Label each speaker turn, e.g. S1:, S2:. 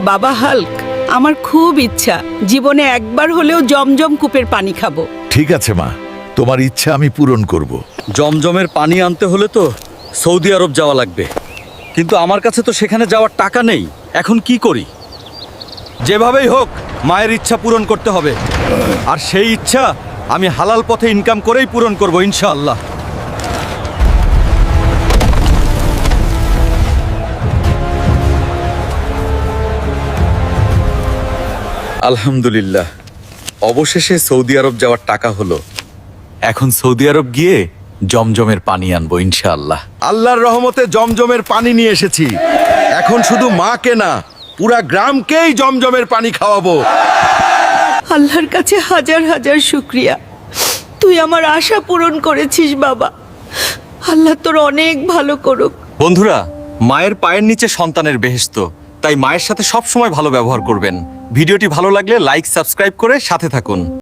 S1: বাবা হাল্ক, আমার খুব ইচ্ছা জীবনে একবার হলেও জমজম কূপের পানি খাবো।
S2: ঠিক আছে মা, তোমার ইচ্ছা আমি পূরণ করব।
S3: জমজমের পানি আনতে হলে তো সৌদি আরব যাওয়া লাগবে, কিন্তু আমার কাছে তো সেখানে যাওয়ার টাকা নেই। এখন কি করি? যেভাবেই হোক মায়ের ইচ্ছা পূরণ করতে হবে, আর সেই ইচ্ছা আমি হালাল পথে ইনকাম করেই পূরণ করব ইনশাআল্লাহ। আলহামদুলিল্লাহ, অবশেষে সৌদি আরব যাওয়ার টাকা হলো। এখন সৌদি আরব গিয়ে জমজমের পানি আনবো ইনশাআল্লাহ।
S4: আল্লাহর রহমতে জমজমের পানি নিয়ে এসেছি। এখন শুধু মাকে না, পুরা গ্রামকেই জমজমের পানি খাওয়াবো।
S1: আল্লাহর কাছে হাজার হাজার শুক্রিয়া, তুই আমার আশা পূরণ করেছিস বাবা। আল্লাহ তোর অনেক ভালো করুক।
S3: বন্ধুরা, মায়ের পায়ের নিচে সন্তানের বেহেশত, তাই মায়ের সাথে সব সময় ভালো ব্যবহার করবেন। ভিডিওটি ভালো লাগলে লাইক, সাবস্ক্রাইব করে সাথে থাকুন।